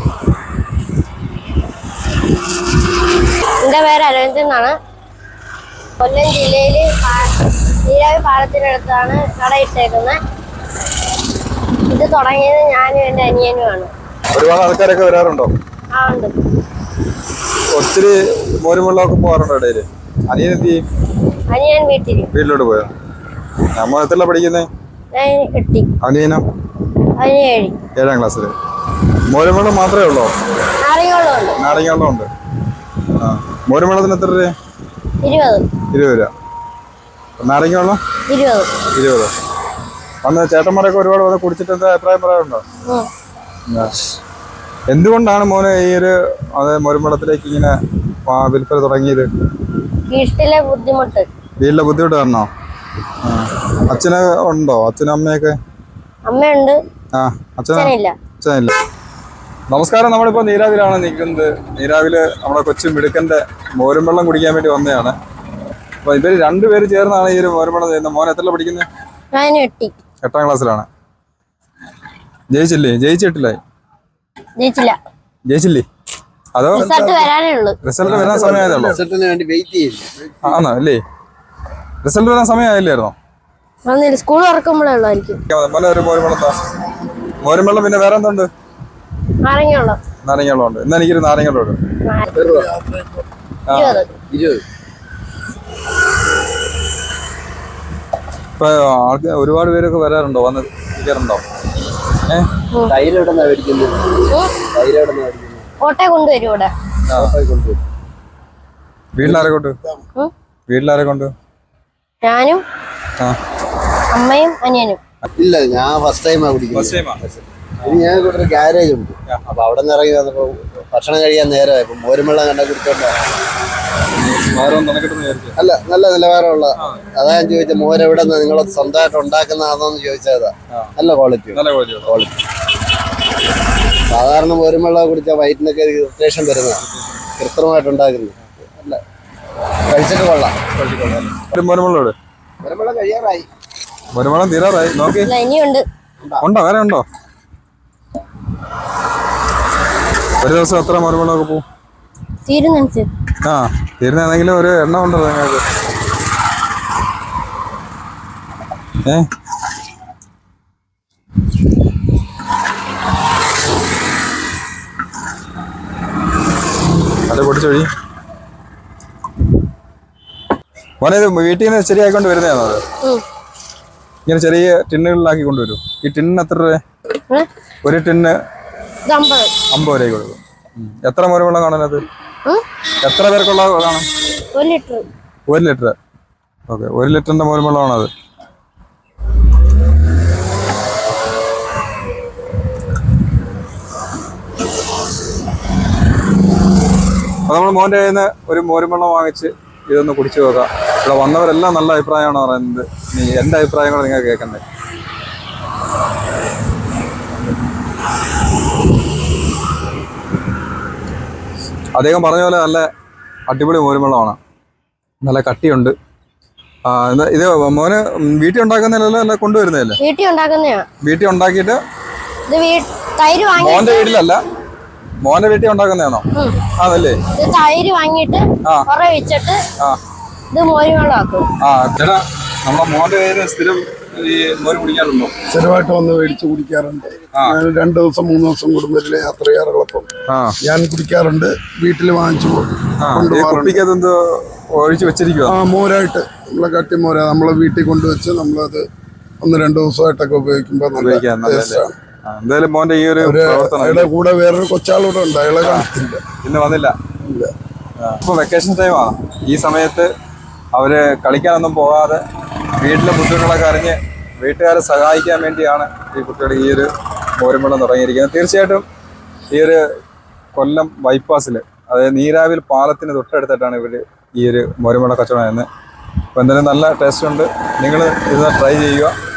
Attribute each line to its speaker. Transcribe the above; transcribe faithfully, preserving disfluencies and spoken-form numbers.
Speaker 1: എൻ്റെ പേര് അരവിന്ദ് എന്നാണ്. കൊല്ലം ജില്ലയിൽ നീരാവി പാലത്തിനടുത്താണ് കട ഇട്ടേക്കുന്നത്. ഇത് തുടങ്ങിയത് ഞാനും എൻ്റെ അനിയനുമാണ്.
Speaker 2: ഒരുപാട് ആൾക്കാരൊക്കെ വരാറുണ്ടോ?
Speaker 1: ആ ഉണ്ട്.
Speaker 2: ഒത്തിരി മോരും വെള്ളമൊക്കെ പോകാറുണ്ടോ ഇടയില്? അനിയൻ എന്ത് ചെയ്യും?
Speaker 1: അനിയൻ വീട്ടിൽ
Speaker 2: വീട്ടിലോട്ട് പോയോ? നമ്മൾ എത്രല്ല പഠിക്കുന്നേ?
Speaker 1: എട്ടി.
Speaker 2: അനിയനോ?
Speaker 1: അതിന് ഏഴ്.
Speaker 2: ഏഴാം ക്ലാസ്സില്. മോരും വെള്ളം മാത്രമേ ഉള്ളോ?
Speaker 1: നാരങ്ങ
Speaker 2: നാരങ്ങ വെള്ളം ഉണ്ട്. ആ മോരും വെള്ളത്തിന് എത്ര രൂപ?
Speaker 1: ഇരുപത്.
Speaker 2: ഇരുപത് രൂപ. നാരങ്ങ വെള്ളം
Speaker 1: ഇരുപത്.
Speaker 2: ഇരുപത്. അന്ന് ചേട്ടന്മാരൊക്കെ ഒരുപാട് വന്ന് കുടിച്ചിട്ട് എന്താ അഭിപ്രായം പറയാറുണ്ടോ? എന്തുകൊണ്ടാണ് മോനെ ഈ ഒരു അത് മോരുംവെള്ളത്തിലേക്ക് ഇങ്ങനെ വിൽപ്പന തുടങ്ങിയത്? വീട്ടിലെ
Speaker 1: ബുദ്ധിമുട്ട്.
Speaker 2: വീട്ടിലെ ബുദ്ധിമുട്ട് കാരണോ? അച്ഛന് ഉണ്ടോ? അച്ഛനും അമ്മയൊക്കെ?
Speaker 1: അമ്മയുണ്ട്.
Speaker 2: ആ അച്ഛനില്ല. അച്ഛനില്ല. നമസ്കാരം. നമ്മളിപ്പോ നീരാവിലാണ് നിൽക്കുന്നത്. നീരാവില് നമ്മുടെ കൊച്ചു മിടുക്കന്റെ മോരും വെള്ളം കുടിക്കാൻ വേണ്ടി വന്നതാണ്. അപ്പൊ ഇവര് രണ്ടുപേര് ചേർന്നാണ് ഈ ഒരു മോരും വെള്ളം ചെയ്യുന്നത്. മോൻ എത്ര പഠിക്കുന്നത്? എട്ടാം ക്ലാസ്സിലാണ്. ജയിച്ചില്ലേ? ജയിച്ചിട്ടില്ലായി? ജയിച്ചില്ല. ജയിച്ചില്ലേ? അതോ റിസൾട്ട് വരാൻ സമയമായതല്ലോ? ആണോ? അല്ലേ, റിസൾട്ട് വരാൻ സമയമായില്ലായിരുന്നോ?
Speaker 1: സ്കൂൾ തുറക്കുമ്പോഴായിരിക്കും.
Speaker 2: മോരും വെള്ളം. പിന്നെ വേറെ എന്തുണ്ട്?
Speaker 1: നാരങ്ങ
Speaker 2: നാരങ്ങ വെള്ളം ഉണ്ട്. ഇന്ന് എനിക്കൊരു നാരങ്ങ വെള്ളം ഉണ്ട്. ഇപ്പൊ ആൾക്ക് ഒരുപാട് പേരൊക്കെ വരാറുണ്ടോ? വന്ന് ഇരിക്കാറുണ്ടോ? വീട്ടിലാരെ കൊണ്ട്? വീട്ടിലാരെ കൊണ്ട്?
Speaker 1: ഞാനും അമ്മയും അനിയനും.
Speaker 3: ഇല്ല, ഞാൻ ഫസ്റ്റ് ടൈമാ കുടിക്കുന്നത്. ഇനി ഞാൻ ഇവിടെ ഒരു ഗാരേജ് ഉണ്ട്. അപ്പൊ അവിടെ നിന്ന് ഇറങ്ങി വന്നപ്പോ ഭക്ഷണം കഴിയാൻ നേരമായി. ഇപ്പൊ മോരും വെള്ളം കണ്ട കുടിച്ചോണ്ടാ. അല്ല, നല്ല നിലവാരമുള്ള. അതാ ഞാൻ ചോദിച്ചത്, മോര് എവിടെ നിന്ന് നിങ്ങൾ സ്വന്തമായിട്ട് ഉണ്ടാക്കുന്നതാണോന്ന് ചോദിച്ചതാ. നല്ല ക്വാളിറ്റി ക്വാളിറ്റി സാധാരണ മോരും വെള്ളം കുടിച്ചാൽ വയറ്റിനൊക്കെ ഇറിറ്റേഷൻ വരുന്നതാണ്. കൃത്രിമമായിട്ട് ഉണ്ടാക്കുന്നത്. അല്ല, കഴിച്ചിട്ട് കൊള്ളാം. മോരും വെള്ളം കഴിയാറായി.
Speaker 2: മോരും വെള്ളം തീരാറായി. നോക്കി
Speaker 1: ഇനിയുണ്ട്.
Speaker 2: ഉണ്ടോ? വേറെ ഉണ്ടോ? ഒരു ദിവസം എത്ര മോരും വെള്ളമൊക്കെ പോവും? ആ തീരുന്നെങ്കിലും ഒരു എണ്ണം ഉണ്ടോ നിങ്ങൾക്ക്? ഏ അത് പൊടിച്ചൊഴി. മോനെ ഇത് വീട്ടിൽ നിന്ന് ശരിയായിക്കൊണ്ട് വരുന്നതാണോ? അത് ഇങ്ങനെ ചെറിയ ടിന്നുകളിലാക്കി കൊണ്ടുവരും. ഈ ടിന്നിന് എത്ര രൂപ? ഒരു ടിന്ന് അമ്പത് രൂപയ്ക്ക് കൊടുക്കും. എത്ര മോരും വെള്ളം കാണാൻ? അത് എത്ര പേർക്കുള്ള കാണും?
Speaker 1: ഒരു ലിറ്റർ.
Speaker 2: ഒരു ലിറ്റർ. ഓക്കെ, ഒരു ലിറ്ററിന്റെ മോരും വെള്ളമാണത്. അപ്പൊ നമ്മൾ മോൻ്റെ കയ്യിൽ നിന്ന് ഒരു മോരും വെള്ളം വാങ്ങിച്ച് ഇതൊന്ന് കുടിച്ചു നോക്കാം. ഇവിടെ വന്നവരെല്ലാം നല്ല അഭിപ്രായമാണ് പറയുന്നത്. നീ എൻ്റെ അഭിപ്രായങ്ങൾ നിങ്ങൾ കേൾക്കണ്ടേ? അദ്ദേഹം പറഞ്ഞ പോലെ നല്ല അടിപൊളി മോരും വെള്ളമാണ്. നല്ല കട്ടിയുണ്ട്. ആ ഇത് മോന് വീട്ടിൽ ഉണ്ടാക്കുന്നതല്ലോ അല്ല കൊണ്ടുവരുന്നതല്ലേ?
Speaker 1: വീട്ടിൽ ഉണ്ടാക്കുന്നതാ.
Speaker 2: വീട്ടിൽ ഉണ്ടാക്കിയിട്ട് മോന്റെ വീട്ടിലല്ല, മോന്റെ വീട്ടിൽ ഉണ്ടാക്കുന്നതാണോ? അതല്ലേ?
Speaker 1: തൈര് വാങ്ങിയിട്ട് വെച്ചിട്ട് ഇത് മോരും വെള്ളമാക്കും.
Speaker 2: ആ ചേട്ടാ, നമ്മളെ മോന്റെ പേര് സ്ഥിരം ഈ മോര് കുടിക്കാറുണ്ടോ?
Speaker 4: സ്ഥിരമായിട്ട് വന്ന് മേടിച്ച് കുടിക്കാറുണ്ട്. ഞാൻ രണ്ടു ദിവസം മൂന്ന് ദിവസം കുടുംബത്തിലെ യാത്ര ചെയ്യാറുള്ളപ്പം ഞാൻ കുടിക്കാറുണ്ട്. വീട്ടിൽ വാങ്ങിച്ചു
Speaker 2: കൊണ്ടുപോകാറുണ്ട്. ഒഴിച്ച് വെച്ചിരിക്കുക. ആ
Speaker 4: മോരായിട്ട് നമ്മളെ കട്ടി മോര നമ്മളെ വീട്ടിൽ കൊണ്ടുവച്ച് നമ്മളത് ഒന്ന് രണ്ടു ദിവസമായിട്ടൊക്കെ ഉപയോഗിക്കുമ്പോൾ നല്ല ടേസ്റ്റാണ്.
Speaker 2: എന്തായാലും മോന്റെ ഈ ഒരു
Speaker 4: അയാളുടെ കൂടെ വേറൊരു കൊച്ചാളൂടെ ഉണ്ട്. അയാളെ കാണിച്ചില്ല,
Speaker 2: ഇന്ന് വന്നില്ല.
Speaker 4: ഇല്ല.
Speaker 2: ഇപ്പൊ വെക്കേഷൻ ടൈമാണ്. ഈ സമയത്ത് അവര് കളിക്കാനൊന്നും പോകാതെ വീട്ടിലെ ബുദ്ധിമുട്ടുകളൊക്കെ അറിഞ്ഞ് വീട്ടുകാരെ സഹായിക്കാൻ വേണ്ടിയാണ് ഈ കുട്ടികൾ ഈ ഒരു മോരും വെള്ളം തുടങ്ങിയിരിക്കുന്നത്. തീർച്ചയായിട്ടും ഈ ഒരു കൊല്ലം ബൈപ്പാസിൽ, അതായത് നീരാവിൽ പാലത്തിന് തൊട്ടടുത്തായിട്ടാണ് ഇവർ ഈ ഒരു മോരും വെള്ളം കച്ചവടം ചെയ്യുന്നത്. അപ്പോൾ എന്തായാലും നല്ല ടേസ്റ്റ് ഉണ്ട്. നിങ്ങൾ ഇത് ട്രൈ ചെയ്യുക.